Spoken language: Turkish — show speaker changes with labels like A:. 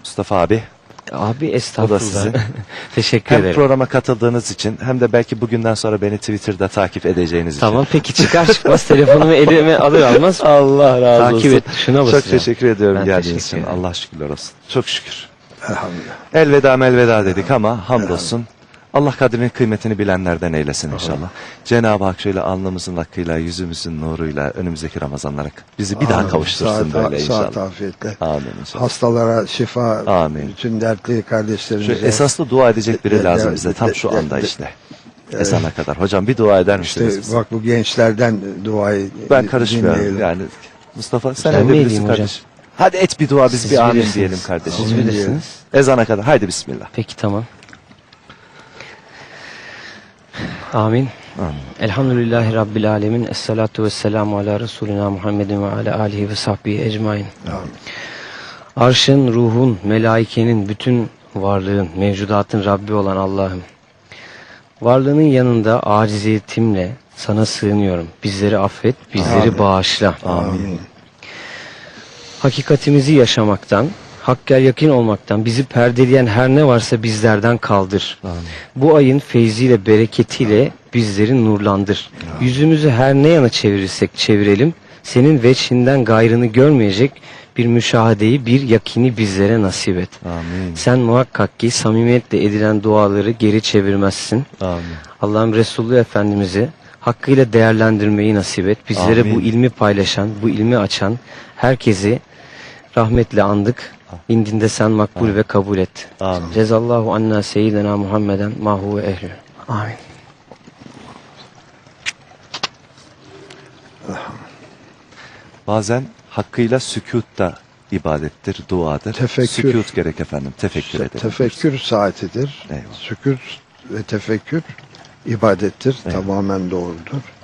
A: Mustafa abi.
B: Abi
A: O da
B: estağfurullah.
A: sizin.
B: Teşekkür
A: Hem
B: ederim.
A: programa katıldığınız için hem de belki bugünden sonra beni Twitter'da takip edeceğiniz
B: Tamam
A: için.
B: peki çıkar çıkmaz telefonumu elime alır almaz
A: Allah razı
B: takip
A: olsun.
B: et tuşuna
A: Çok
B: basacağım.
A: teşekkür ediyorum
B: Ben
A: geldiğiniz
B: teşekkür
A: için.
B: ederim.
A: Allah şükürler olsun. Çok şükür.
C: Elhamdülillah.
A: Elveda melveda dedik ama hamdolsun. Allah kadrinin kıymetini bilenlerden eylesin inşallah. Cenab-ı Hak şöyle alnımızın hakkıyla, yüzümüzün nuruyla önümüzdeki Ramazanlara bizi bir daha
C: Amin.
A: kavuştursun böyle inşallah.
C: Saat afiyetle.
A: Amin inşallah.
C: Hastalara şifa,
A: Amin.
C: bütün dertli
A: Şu
C: kardeşlerimize.
A: esaslı dua edecek biri
C: De-
A: lazım
C: de-
A: bize tam
C: de-
A: şu
C: de-
A: anda
C: de-
A: işte. Ezana kadar. Hocam bir dua eder
C: İşte
A: misiniz bize?
C: bak bu gençlerden duayı
A: Ben karışmıyorum
C: dinleyelim.
A: yani. Mustafa sen
B: Ben mi
A: edebilirsin
B: edeyim
A: kardeş. Hadi et bir dua biz
B: Siz
A: bir amin
B: bilirsiniz.
A: diyelim kardeşim.
B: Siz bilirsiniz.
A: Ezana kadar. Haydi bismillah.
B: Peki tamam. Amin.
A: Amin.
B: Elhamdülillahi Rabbil Alemin. Esselatu vesselamu ala Resulina Muhammedin ve ala alihi ve sahbihi ecmain.
C: Amin.
B: Arşın, ruhun, melaikenin, bütün varlığın, mevcudatın Rabbi olan Allah'ım. Varlığının yanında aciziyetimle sana sığınıyorum. Bizleri affet, bizleri
C: Amin.
B: bağışla.
C: Amin.
B: Hakikatimizi yaşamaktan, hakka yakın olmaktan bizi perdeleyen her ne varsa bizlerden kaldır.
A: Amin.
B: Bu ayın feyziyle, bereketiyle bizleri nurlandır. Yüzümüzü her ne yana çevirirsek çevirelim, senin veçhinden gayrını görmeyecek bir müşahedeyi, bir yakini bizlere nasip et.
A: Amin.
B: Sen muhakkak ki samimiyetle edilen duaları geri çevirmezsin.
A: Amin.
B: Allah'ım Resulü Efendimiz'i hakkıyla değerlendirmeyi nasip et. Bizlere
A: Amin.
B: bu ilmi paylaşan, bu ilmi açan herkesi rahmetle andık. İndinde sen makbul ve kabul et.
A: Amin.
B: Cezallahu anna seyyidina Muhammeden mahu ve ehlü. Amin.
A: Bazen hakkıyla sükût da ibadettir, duadır.
C: Tefekkür.
A: Sükût gerek efendim. Tefekkür edelim.
C: Tefekkür saatidir.
A: Eyvallah.
C: Sükût ve tefekkür ibadettir.
A: Eyvallah.
C: Tamamen doğrudur.